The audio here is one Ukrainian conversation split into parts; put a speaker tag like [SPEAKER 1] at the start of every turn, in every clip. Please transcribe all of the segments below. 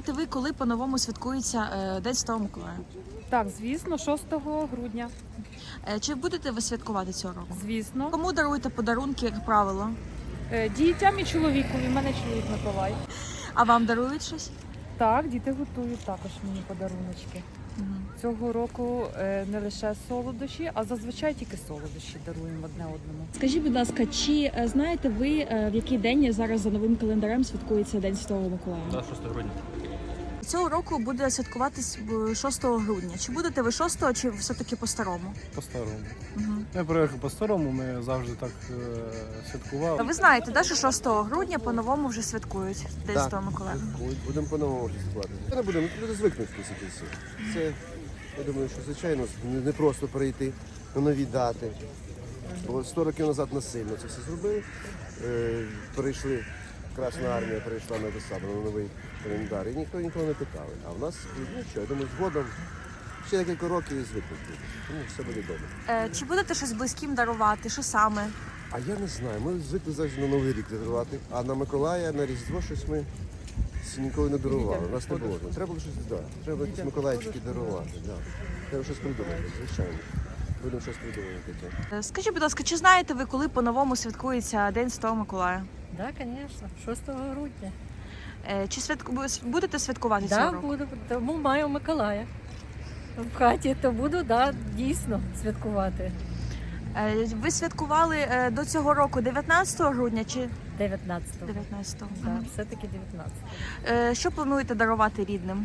[SPEAKER 1] знаєте ви, коли по-новому святкується День Святого Миколая?
[SPEAKER 2] Так, звісно, 6 грудня.
[SPEAKER 1] Чи будете ви святкувати цього року?
[SPEAKER 2] Звісно.
[SPEAKER 1] Кому даруєте подарунки, як правило?
[SPEAKER 2] Дітям і чоловікові. У мене чоловік Миколай.
[SPEAKER 1] А вам дарують щось?
[SPEAKER 2] Так, діти готують також мені подаруночки. Цього року не лише солодощі, а зазвичай тільки солодощі даруємо одне одному.
[SPEAKER 1] Скажіть, будь ласка, чи знаєте ви, в який день зараз за новим календарем святкується День Святого Миколая?
[SPEAKER 3] Так, 6 грудня.
[SPEAKER 1] Цього року буде святкуватись 6 грудня. Чи будете ви 6-го, чи все-таки по-старому?
[SPEAKER 4] По-старому.
[SPEAKER 1] Угу.
[SPEAKER 4] Ми приїхали по-старому, ми завжди так святкували.
[SPEAKER 1] Ви знаєте, да, що 6 грудня по-новому вже святкують День
[SPEAKER 5] Так.
[SPEAKER 1] Святого Миколая?
[SPEAKER 5] Будемо по-новому святкувати. Не будемо, люди звикнуть після всі. Це, я думаю, що звичайно не просто перейти на нові дати. Бо 100 років назад насильно це все зробили. Перейшли, Красна армія перейшла на висаду, на новий календар. І ніхто нікого не питав. А в нас, ну що, я думаю, згодом ще декілька років і звикнуть люди. Тому все буде добре.
[SPEAKER 1] Чи будете щось близьким дарувати? Що саме?
[SPEAKER 5] А я не знаю, ми звикли завжди на Новий рік дарувати. А на Миколая, на Різдво щось ми ніколи не дарували. У нас не було. Треба було щось дати. Треба якісь миколаївські дарувати. Да. Треба щось придумати, звичайно. Будемо щось придумати.
[SPEAKER 1] Скажіть, будь ласка, чи знаєте ви, коли по-новому святкується День Святого Миколая?
[SPEAKER 6] Так, звісно, 6 грудня.
[SPEAKER 1] Чи будете святкувати цього
[SPEAKER 6] Так,
[SPEAKER 1] року?
[SPEAKER 6] буду, тому маю Миколая в хаті, то буду, да, дійсно святкувати.
[SPEAKER 1] Ви святкували до цього року 19 грудня чи
[SPEAKER 6] 19-го.
[SPEAKER 1] 19-го?
[SPEAKER 6] Так, все-таки 19-го.
[SPEAKER 1] Що плануєте дарувати рідним?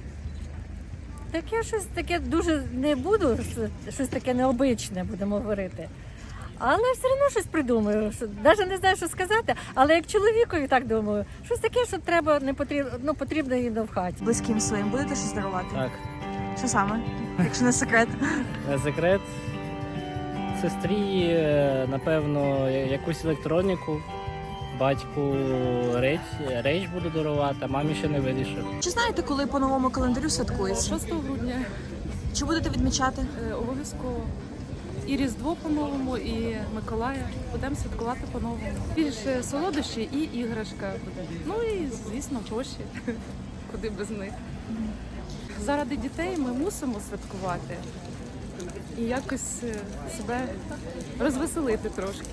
[SPEAKER 6] Таке щось таке дуже не буду, щось таке необичне будемо говорити. Але все одно щось придумаю. Навіть не знаю, що сказати, але як чоловікові так думаю, щось таке, що треба, не потрібно, ну, потрібно їм в хаті.
[SPEAKER 1] Близьким своїм будете щось дарувати?
[SPEAKER 3] Так,
[SPEAKER 1] Що саме? Якщо не секрет.
[SPEAKER 3] секрет. Сестрі, напевно, якусь електроніку, батьку речь буду дарувати, а мамі ще не вирішив.
[SPEAKER 1] Чи знаєте, коли по новому календарю святкується?
[SPEAKER 2] 6 грудня
[SPEAKER 1] Чи будете відмічати?
[SPEAKER 2] обов'язково. І Різдво по-новому, і Миколая. Будемо святкувати по-новому. Більше солодощі і іграшка буде. Ну і, звісно, гроші. Куди без них. Заради дітей ми мусимо святкувати і якось себе розвеселити трошки.